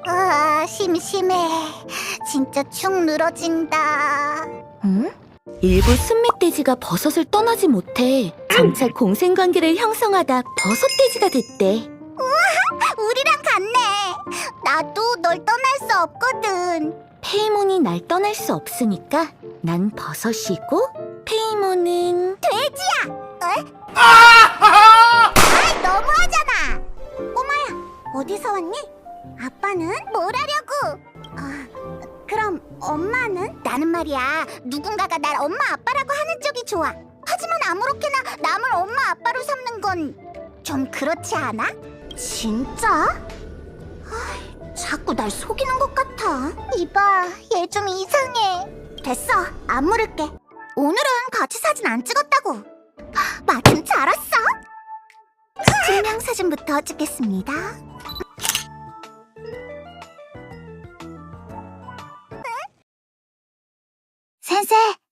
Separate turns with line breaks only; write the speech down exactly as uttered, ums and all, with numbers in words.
아, 심심해. 진짜 축 늘어진다.
응? 일부 순멧돼지가 버섯을 떠나지 못해 점차 공생관계를 형성하다 버섯돼지가 됐대.
우리랑 같네. 나도 널 떠날 수 없거든.
페이몬이 날 떠날 수 없으니까 난 버섯이고 페이몬은
돼지야! 에? 아이, 너무하잖아. 꼬마야, 어디서 왔니? 아빠는 뭘 하려고? 아, 그럼 엄마는? 나는 말이야, 누군가가 날 엄마 아빠라고 하는 쪽이 좋아. 하지만 아무렇게나 남을 엄마 아빠로 삼는 건 좀 그렇지 않아? 진짜? 아이, 자꾸 날 속이는 것 같아. 이봐, 얘 좀 이상해. 됐어, 안 물을게. 오늘은 같이 사진 안 찍었다고. 마침 잘 왔어. 증명사진부터 찍겠습니다. 센세,